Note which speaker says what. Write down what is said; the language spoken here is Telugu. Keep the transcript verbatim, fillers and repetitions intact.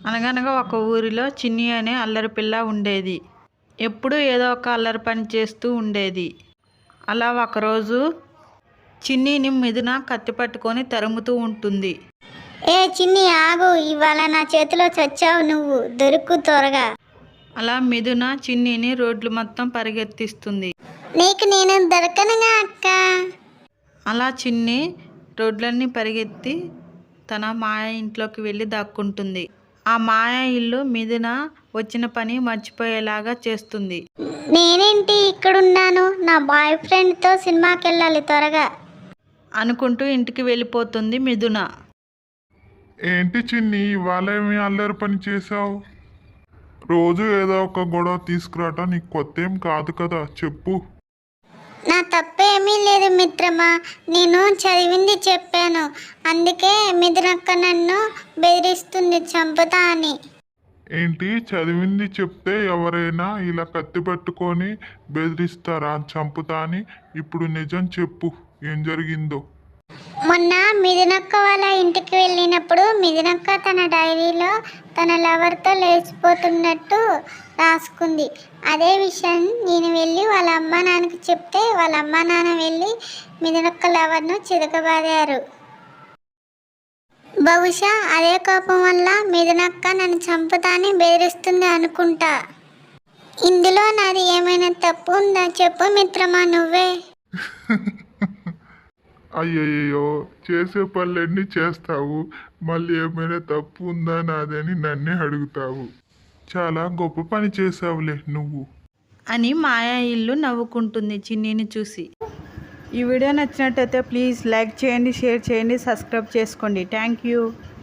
Speaker 1: అనగనగా ఒక ఊరిలో చిన్ని అనే అల్లరి పిల్ల ఉండేది. ఎప్పుడూ ఏదో ఒక అల్లరి పని చేస్తూ ఉండేది. అలా ఒకరోజు చిన్నిని మిథున కత్తి పట్టుకొని తరుముతూ ఉంటుంది.
Speaker 2: ఏ చిన్ని ఆగు, ఇవాళ నా చేతిలో చచ్చావు నువ్వు, దొరుకు త్వరగా.
Speaker 1: అలా మిథున చిన్నిని రోడ్లు మొత్తం పరిగెత్తిస్తుంది.
Speaker 2: నీకు నేను దొరకనుగా అక్క.
Speaker 1: అలా చిన్ని రోడ్లన్నీ పరిగెత్తి తన మాయ ఇంట్లోకి వెళ్ళి దాక్కుంటుంది. ఆ మాయ ఇల్లు మిథున వచ్చిన పని మర్చిపోయేలాగా చేస్తుంది.
Speaker 2: నేనేంటి ఇక్కడున్నాను, నా బాయ్ ఫ్రెండ్తో సినిమాకి వెళ్ళాలి త్వరగా
Speaker 1: అనుకుంటూ ఇంటికి వెళ్ళిపోతుంది మిథున.
Speaker 3: ఏంటి చిన్ని, ఇవాళ ఏమి అల్లరి పని చేసావు? రోజు ఏదో ఒక గొడవ తీసుకురావటం నీకు కొత్త ఏం కాదు కదా, చెప్పు.
Speaker 2: నా తప్పేమీ లేదు మిత్రమా, నేను చదివింది చెప్పాను, అందుకే మిథునక్క నన్ను బెదిరిస్తుంది చంపుతా అని.
Speaker 3: ఏంటి చదివింది చెప్తే ఎవరైనా ఇలా కత్తి పట్టుకొని బెదిరిస్తారా చంపుతా అని? ఇప్పుడు నిజం చెప్పు, ఏం జరిగిందో.
Speaker 2: మొన్న మిథునక్క వాళ్ళ ఇంటికి వెళ్ళినప్పుడు మిథునక్క తన డైరీలో తన లవర్తో లేచిపోతున్నట్టు రాసుకుంది. అదే విషయం నేను వెళ్ళి వాళ్ళ అమ్మ నాన్నకి చెప్తే వాళ్ళ అమ్మ నాన్న వెళ్ళి మిథునక్క లవర్ను చితకబాదారు. బహుశా అదే కోపం వల్ల మిథునక్క నన్ను చంపుతాని బెదిరిస్తుంది అనుకుంటా. ఇందులో నాది ఏమైనా తప్పు ఉందా చెప్పు మిత్రమా నువ్వే.
Speaker 3: అయ్యయ్యో, చేసే పనులన్నీ చేస్తావు, మళ్ళీ ఏమైనా తప్పు ఉందా నాదని నన్నే అడుగుతావు. చాలా గొప్ప పని చేసావులే నువ్వు
Speaker 1: అని మాయా ఇల్లు నవ్వుకుంటుంది చిన్నిని చూసి. ఈ వీడియో నచ్చినట్టయితే ప్లీజ్ లైక్ చేయండి, షేర్ చేయండి, సబ్స్క్రైబ్ చేసుకోండి. Thank you.